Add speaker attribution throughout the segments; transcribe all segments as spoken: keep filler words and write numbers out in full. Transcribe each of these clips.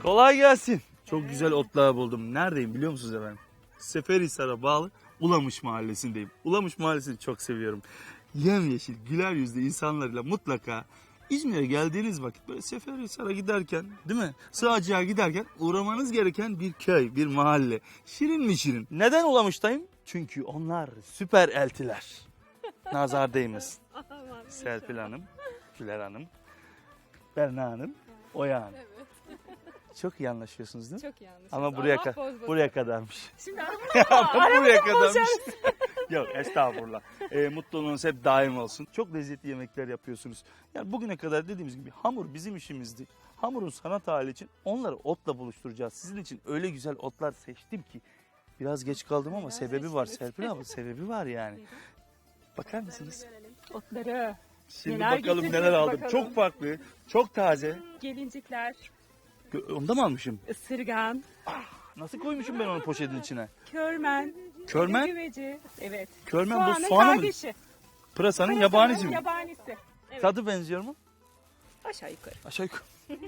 Speaker 1: Kolay gelsin. Çok güzel otlar buldum. Neredeyim biliyor musunuz efendim? Seferihisar'a bağlı Ulamış Mahallesi'ndeyim. Ulamış Mahallesi'ni çok seviyorum. Yemyeşil, güler yüzlü insanlarla mutlaka İzmir'e geldiğiniz vakit böyle Seferihisar'a giderken, değil mi? Sığacığa giderken uğramanız gereken bir köy, bir mahalle. Şirin mi şirin? Neden Ulamış'tayım? Çünkü onlar süper eltiler. Nazar değmesin. Serpil Hanım, Güler Hanım, Berna Hanım, Oya Hanım.
Speaker 2: Evet.
Speaker 1: Çok iyi anlaşıyorsunuz değil mi?
Speaker 2: Çok yanlış.
Speaker 1: Ama buraya, ka- buraya kadarmış.
Speaker 2: Şimdi
Speaker 1: buraya kadarmış. Yok estağfurullah. E, mutluluğunuz hep daim olsun. Çok lezzetli yemekler yapıyorsunuz. Yani bugüne kadar dediğimiz gibi hamur bizim işimizdi. Hamurun sanat hali için onları otla buluşturacağız. Sizin için öyle güzel otlar seçtim ki. Biraz geç kaldım ama
Speaker 2: Biraz
Speaker 1: sebebi var
Speaker 2: seçtiniz.
Speaker 1: Serpil abla. Sebebi var yani. Bakar mısınız?
Speaker 2: Otları,
Speaker 1: Şimdi
Speaker 2: Neler
Speaker 1: bakalım
Speaker 2: getireceğiz
Speaker 1: neler aldım.
Speaker 2: bakalım.
Speaker 1: Çok farklı, çok taze.
Speaker 2: gelincikler,
Speaker 1: Gö- Onda mı almışım?
Speaker 2: ısırgan,
Speaker 1: Nasıl koymuşum ben onu poşetin içine?
Speaker 2: körmen,
Speaker 1: Körmen?
Speaker 2: güveci. Evet.
Speaker 1: Körmen bu
Speaker 2: Soğanın
Speaker 1: soğanı mı?
Speaker 2: kardeşi.
Speaker 1: Pırasanın
Speaker 2: Pırasanın
Speaker 1: yabanisi mi?
Speaker 2: Yabanisi. Evet.
Speaker 1: Tadı benziyor mu?
Speaker 2: Aşağı yukarı.
Speaker 1: Aşağı yukarı.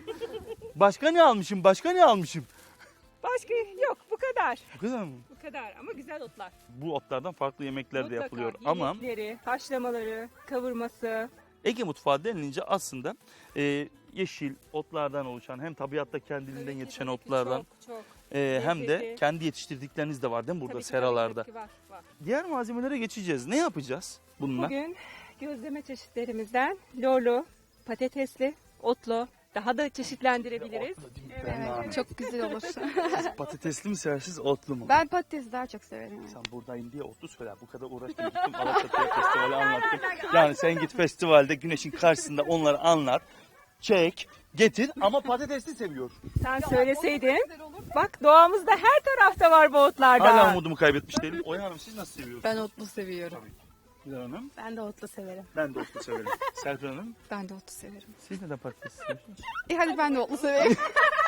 Speaker 1: Başka ne almışım? Başka ne almışım?
Speaker 2: Başka yok, bu kadar.
Speaker 1: Bu kadar mı?
Speaker 2: Bu kadar ama güzel otlar.
Speaker 1: Bu otlardan farklı yemekler de
Speaker 2: Mutlaka
Speaker 1: yapılıyor. Ama
Speaker 2: yemekleri, haşlamaları, kavurması.
Speaker 1: Ege mutfağı denilince aslında e, yeşil otlardan oluşan hem tabiatta kendiliğinden
Speaker 2: Tabii ki,
Speaker 1: yetişen
Speaker 2: tabii ki,
Speaker 1: otlardan
Speaker 2: Çok, çok.
Speaker 1: e, hem de
Speaker 2: lezzetli.
Speaker 1: kendi yetiştirdikleriniz de var değil mi burada
Speaker 2: Tabii ki,
Speaker 1: seralarda?
Speaker 2: tabii ki var, var.
Speaker 1: Diğer malzemelere geçeceğiz. Ne yapacağız bununla?
Speaker 2: Bugün gözleme çeşitlerimizden lorlu, patatesli, otlu, daha da çeşitlendirebiliriz.
Speaker 1: Evet.
Speaker 3: Çok güzel olur.
Speaker 1: Patatesli mi seversiniz otlu mu?
Speaker 3: Ben patatesi daha çok severim.
Speaker 1: Sen buradayım diye otlu söyle. Bu kadar uğraştım gittim Alaçatı'ya festivali anlattım. Yani sen git festivalde güneşin karşısında onları anlat. Çek, getir ama patatesli seviyor.
Speaker 2: Sen söyleseydin, bak doğamızda her tarafta var bu otlardan.
Speaker 1: Hala umudumu kaybetmiş değilim. Oya Hanım siz nasıl seviyorsunuz?
Speaker 3: Ben otlu seviyorum.
Speaker 1: Güler Hanım.
Speaker 3: Ben de otlu severim.
Speaker 1: Ben de otlu severim. Serpil Hanım.
Speaker 3: Ben de otlu severim.
Speaker 1: Siz neden patates seviyorsunuz?
Speaker 3: E hadi ben de otlu severim.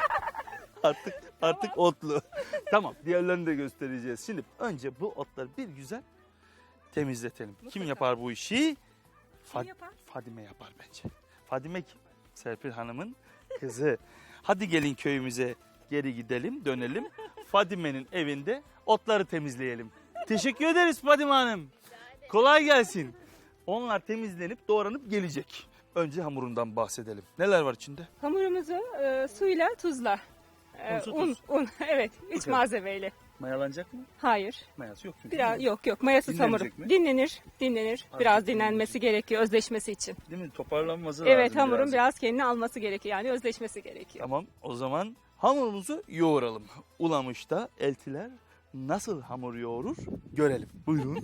Speaker 1: Artık artık otlu. Tamam diğerlerini de göstereceğiz. Şimdi önce bu otları bir güzel temizletelim. Kim
Speaker 2: Mutlaka.
Speaker 1: yapar bu işi?
Speaker 2: Kim
Speaker 1: Fa-
Speaker 2: yapar?
Speaker 1: Fadime yapar bence. Fadime kim? Serpil Hanım'ın kızı. Hadi gelin köyümüze geri gidelim, dönelim. Fadime'nin evinde otları temizleyelim. Teşekkür ederiz Fadime Hanım. Kolay gelsin. Onlar temizlenip doğranıp gelecek. Önce hamurundan bahsedelim. Neler var içinde?
Speaker 2: Hamurumuzu e, suyla, tuzla, e,
Speaker 1: Un, su,
Speaker 2: un,
Speaker 1: tuz.
Speaker 2: un, evet, üç
Speaker 1: kadar.
Speaker 2: malzemeyle.
Speaker 1: Mayalanacak mı?
Speaker 2: Hayır,
Speaker 1: Mayası yok çünkü.
Speaker 2: biraz yok yok mayasız hamur.
Speaker 1: Dinlenecek mi?
Speaker 2: Dinlenir, dinlenir.
Speaker 1: Azıcık
Speaker 2: Biraz
Speaker 1: dinlenecek.
Speaker 2: dinlenmesi gerekiyor özleşmesi için.
Speaker 1: Değil mi? Toparlanması
Speaker 2: Evet,
Speaker 1: lazım
Speaker 2: hamurun
Speaker 1: birazcık.
Speaker 2: biraz kendini alması gerekiyor yani özleşmesi gerekiyor.
Speaker 1: Tamam o zaman hamurumuzu yoğuralım. Ulamış'ta eltiler nasıl hamur yoğurur görelim. Buyurun.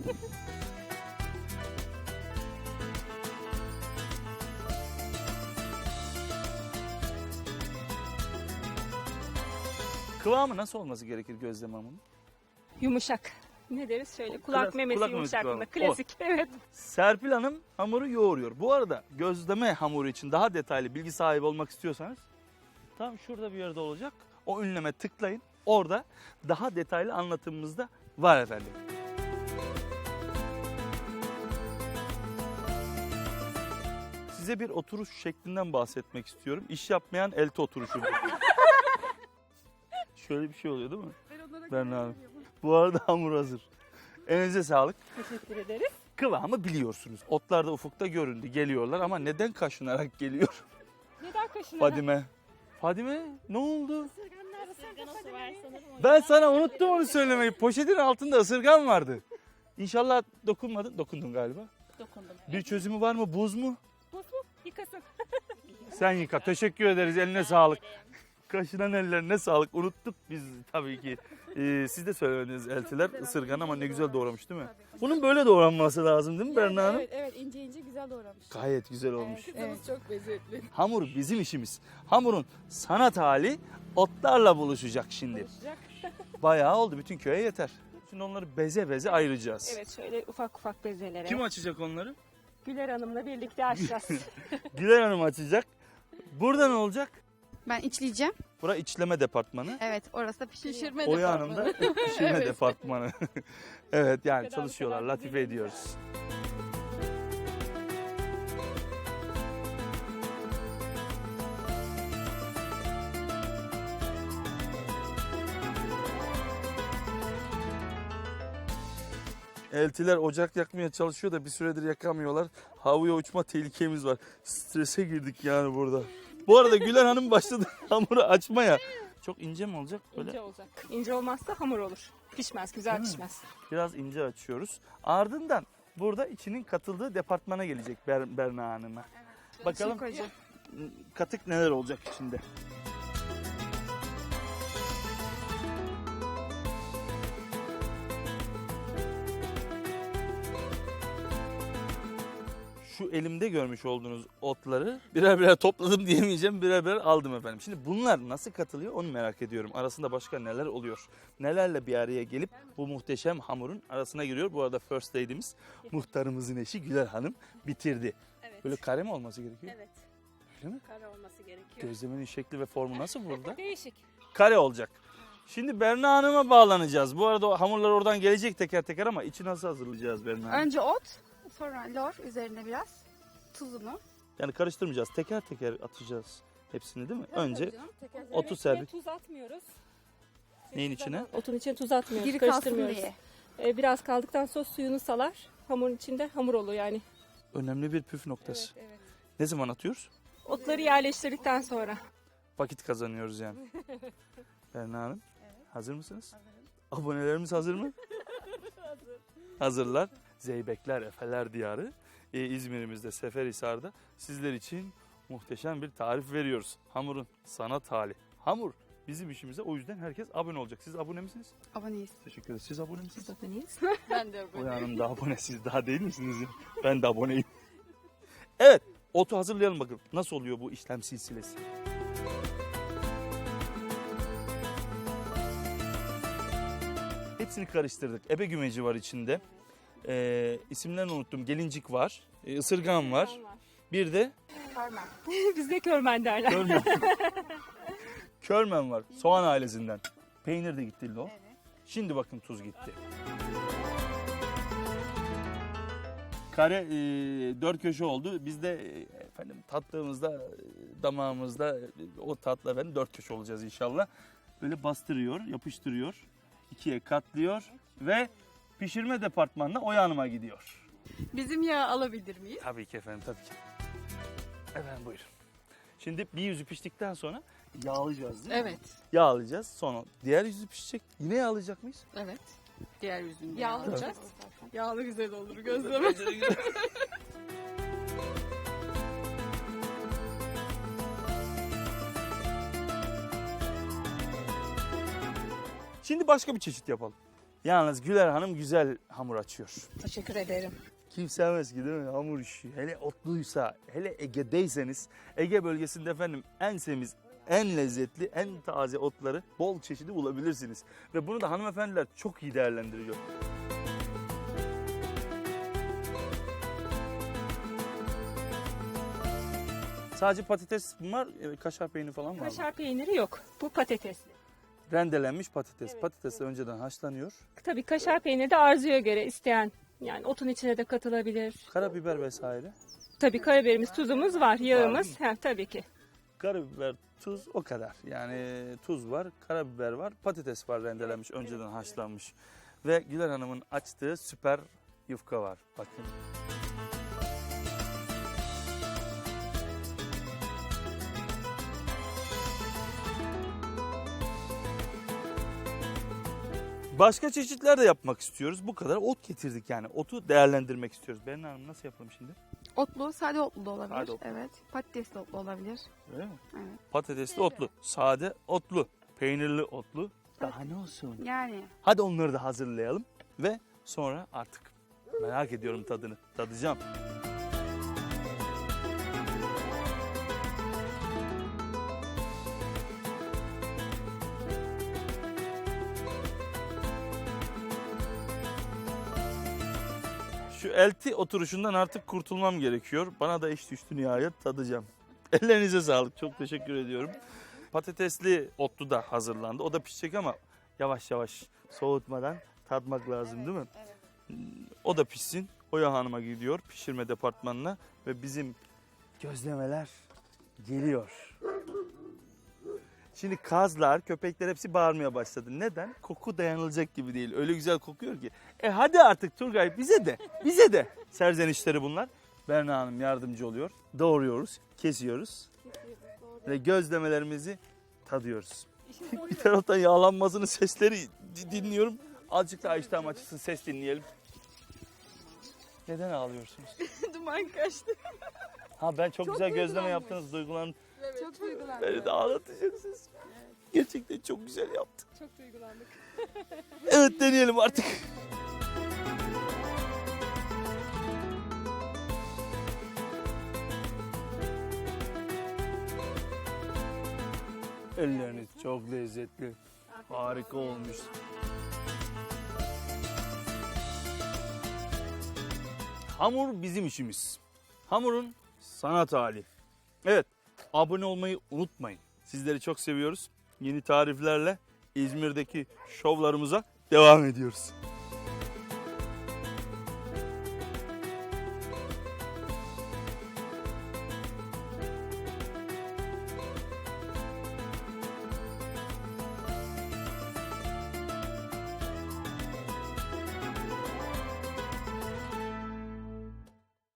Speaker 1: Kıvamı nasıl olması gerekir gözleme hamurunun?
Speaker 2: Yumuşak. Ne deriz şöyle kulak
Speaker 1: Klas-
Speaker 2: memesi
Speaker 1: kulak memesi
Speaker 2: yumuşaklığında.
Speaker 1: kıvamı.
Speaker 2: Klasik evet.
Speaker 1: Serpil Hanım hamuru yoğuruyor. Bu arada gözleme hamuru için daha detaylı bilgi sahibi olmak istiyorsanız tam şurada bir yerde olacak. O ünleme tıklayın. Orada daha detaylı anlatımımız da var efendim. Size bir oturuş şeklinden bahsetmek istiyorum. İş yapmayan elti oturuşu. Şöyle bir şey oluyor değil mi? Ben abi. Bu arada hamur hazır. Elinize sağlık.
Speaker 2: Teşekkür ederiz.
Speaker 1: Kıvamı biliyorsunuz. Otlar da ufukta göründü. Geliyorlar ama neden kaşınarak geliyor
Speaker 2: Neden kaşına?
Speaker 1: Fadime? Fadime ne oldu?
Speaker 4: Isırgan otu var sanırım o
Speaker 1: Ben sana unuttum onu söylemeyi. Poşetin altında ısırgan vardı. İnşallah dokunmadın. Dokundun galiba.
Speaker 4: dokundum.
Speaker 1: Bir çözümü var mı? Buz mu?
Speaker 2: Buz mu? Yıkasın.
Speaker 1: Sen yıka. Teşekkür ederiz. Eline sağlık. Kaşınan ellerine sağlık. Unuttuk biz tabii ki. Ee, siz de söylemediniz eltiler ısırgan ama ne güzel doğramış değil mi? Bunun böyle doğranması lazım değil mi Berna Hanım?
Speaker 4: Evet evet ince ince güzel doğramış.
Speaker 1: Gayet güzel olmuş.
Speaker 4: Evet. Çok lezzetli.
Speaker 1: Hamur bizim işimiz. Hamurun sanat hali otlarla buluşacak şimdi.
Speaker 2: Olacak.
Speaker 1: Bayağı oldu. Bütün köye yeter. Şimdi onları beze beze ayıracağız.
Speaker 2: Evet şöyle ufak ufak bezelere.
Speaker 1: Kim açacak onları?
Speaker 2: Güler Hanım'la birlikte açacağız.
Speaker 1: Güler Hanım açacak. Burada ne olacak?
Speaker 3: Ben içleyeceğim.
Speaker 1: Bura içleme departmanı.
Speaker 3: Evet orası da pişiriyor.
Speaker 4: Pişirme
Speaker 1: Oya Hanım da pişirme
Speaker 4: Evet.
Speaker 1: departmanı. Evet yani
Speaker 2: Bu kadar, bu
Speaker 1: çalışıyorlar.
Speaker 2: kadar
Speaker 1: Latife
Speaker 2: güzel.
Speaker 1: ediyoruz. Eltiler ocak yakmaya çalışıyor da bir süredir yakamıyorlar. Havaya uçma tehlikemiz var. Strese girdik yani burada. Bu arada Güler Hanım başladı hamuru açmaya. Çok ince mi olacak böyle?
Speaker 2: İnce olacak. İnce olmazsa hamur olur. Pişmez, güzel
Speaker 1: Değil mi?
Speaker 2: pişmez.
Speaker 1: Biraz ince açıyoruz. Ardından burada içinin katıldığı departmana gelecek Ber Berna Hanım'a. Bakalım
Speaker 3: Şimdi koyacağım.
Speaker 1: katık neler olacak içinde. Şu elimde görmüş olduğunuz otları birer birer topladım diyemeyeceğim, birer birer aldım efendim. Şimdi bunlar nasıl katılıyor onu merak ediyorum. Arasında başka neler oluyor? Nelerle bir araya gelip bu muhteşem hamurun arasına giriyor. Bu arada first lady'miz, muhtarımızın eşi Güler Hanım bitirdi.
Speaker 2: Evet.
Speaker 1: Böyle kare mi olması gerekiyor?
Speaker 2: Evet.
Speaker 1: Öyle mi?
Speaker 2: Kare olması gerekiyor.
Speaker 1: Gözlemenin şekli ve formu nasıl burada?
Speaker 2: Değişik.
Speaker 1: Kare olacak. Şimdi Berna Hanım'a bağlanacağız. Bu arada o hamurlar oradan gelecek teker teker ama içi nasıl hazırlayacağız Berna Hanım?
Speaker 3: Önce ot, sonra lor, üzerine biraz tuzunu.
Speaker 1: Yani karıştırmayacağız. Teker teker atacağız hepsini değil mi? Önce
Speaker 4: Teker
Speaker 1: otu servis.
Speaker 2: Tuz atmıyoruz.
Speaker 1: Neyin içine?
Speaker 2: Otun içine tuz atmıyoruz.
Speaker 3: Diri kalsın
Speaker 2: karıştırmıyoruz.
Speaker 3: diye.
Speaker 2: Ee, biraz kaldıktan sonra suyunu salar. Hamurun içinde hamur oluyor yani.
Speaker 1: Önemli bir püf noktası.
Speaker 2: evet.
Speaker 1: Ne zaman atıyoruz?
Speaker 2: Otları yerleştirdikten sonra.
Speaker 1: Vakit kazanıyoruz yani. Berna Hanım, hazır mısınız? Hazırım. Abonelerimiz hazır mı? Hazır. Hazırlar. Zeybekler, Efeler Diyarı e, İzmir'imizde, Seferihisar'da sizler için muhteşem bir tarif veriyoruz. Hamurun sanat hali. Hamur bizim işimize, o yüzden herkes abone olacak. Siz abone misiniz?
Speaker 3: Aboneyiz.
Speaker 1: Teşekkür ederiz. Siz abone misiniz?
Speaker 2: Aboneyiz.
Speaker 4: Ben de
Speaker 1: O Hanım da abone, siz daha değil misiniz? ya? Ben de aboneyim. Evet, otu hazırlayalım bakalım. Nasıl oluyor bu işlem silsilesi? Hepsini karıştırdık. Ebe gümeci var içinde. Ee, isimlerini unuttum. Gelincik var. Ee, ısırgan var. Bir de
Speaker 3: Körmen.
Speaker 2: Bizde körmen derler.
Speaker 1: körmen. Körmen var. Soğan ailesinden. Peynir de gitti o.
Speaker 3: Evet.
Speaker 1: Şimdi bakın tuz gitti. Kare e, dört köşe oldu. Biz de e, efendim tattığımızda e, damağımızda e, o tatla efendim dört köşe olacağız inşallah. Böyle bastırıyor, yapıştırıyor. İkiye katlıyor ve pişirme departmanına Oya Hanım'a gidiyor.
Speaker 3: Bizim yağ alabilir miyiz?
Speaker 1: Tabii ki efendim, tabii ki. Efendim buyurun. Şimdi bir yüzü piştikten sonra yağlayacağız değil mi?
Speaker 3: Evet.
Speaker 1: Yağlayacağız. Sonra diğer yüzü pişecek. Yine yağlayacak mıyız?
Speaker 3: Evet. Diğer yüzünü
Speaker 2: Yağlayacağız.
Speaker 3: Yağlı güzel olur gözleme.
Speaker 1: Şimdi başka bir çeşit yapalım. Yalnız Güler Hanım güzel hamur açıyor.
Speaker 3: Teşekkür ederim.
Speaker 1: Kim sevmez ki değil mi hamur işi? Hele otluysa, hele Ege'deyseniz, Ege bölgesinde efendim en semiz, en lezzetli, en taze otları bol çeşidi bulabilirsiniz. Ve bunu da hanımefendiler çok iyi değerlendiriyor. Sadece patates mi var, e, kaşar peyniri falan var mı?
Speaker 2: Kaşar peyniri yok. Bu patatesli.
Speaker 1: Rendelenmiş patates.
Speaker 2: Evet,
Speaker 1: Patates de önceden haşlanıyor.
Speaker 2: Tabii kaşar peyniri de arzuya göre isteyen. Yani otun içine de katılabilir.
Speaker 1: Karabiber vesaire.
Speaker 2: Tabii karabiberimiz, tuzumuz var, yağımız. Ha, tabii ki.
Speaker 1: Karabiber, tuz o kadar. Yani tuz var, karabiber var, patates var rendelenmiş, önceden haşlanmış. Ve Güler Hanım'ın açtığı süper yufka var. Bakın. Başka çeşitler de yapmak istiyoruz. Bu kadar ot getirdik yani. Otu değerlendirmek istiyoruz. Berna Hanım nasıl yapalım şimdi?
Speaker 3: Otlu, sade otlu da olabilir.
Speaker 1: Sade otlu.
Speaker 3: Evet. Patatesli otlu olabilir.
Speaker 1: Öyle mi?
Speaker 3: Evet.
Speaker 1: Patatesli otlu, sade otlu, peynirli otlu. Daha ne olsun?
Speaker 3: Yani
Speaker 1: Hadi onları da hazırlayalım ve sonra artık merak ediyorum tadını. Tadacağım. Şu elti oturuşundan artık kurtulmam gerekiyor. Bana da iş düştü nihayet, tadacağım. Ellerinize sağlık. Çok teşekkür ediyorum. Patatesli otlu da hazırlandı. O da pişecek ama yavaş yavaş soğutmadan tatmak lazım değil mi? O da pişsin. Oya Hanım'a gidiyor pişirme departmanına ve bizim gözlemeler geliyor. Şimdi kazlar, köpekler hepsi bağırmaya başladı. Neden? Koku dayanılacak gibi değil. Öyle güzel kokuyor ki. E hadi artık Turgay bize de, bize de. Serzenişleri bunlar. Berna Hanım yardımcı oluyor. Doğruyoruz, kesiyoruz ve gözlemelerimizi tadıyoruz. Bir taraftan yağlanmasının sesleri di- dinliyorum. Azıcık daha iştahım açılsın, ses dinleyelim. Neden ağlıyorsunuz?
Speaker 4: Duman kaçtı.
Speaker 1: Ha ben çok,
Speaker 4: Çok
Speaker 1: güzel gözleme
Speaker 4: duygulanmış.
Speaker 1: yaptınız, duygulandım.
Speaker 4: Evet.
Speaker 3: Çok duygulandım.
Speaker 1: Beni de ağlatacaksınız. Gerçekten çok güzel yaptın.
Speaker 4: Çok duygulandık.
Speaker 1: Evet deneyelim artık. Elleriniz çok lezzetli. Harika olmuş. Hamur bizim işimiz. Hamurun sanat hali. Evet, abone olmayı unutmayın. Sizleri çok seviyoruz. Yeni tariflerle İzmir'deki şovlarımıza devam ediyoruz.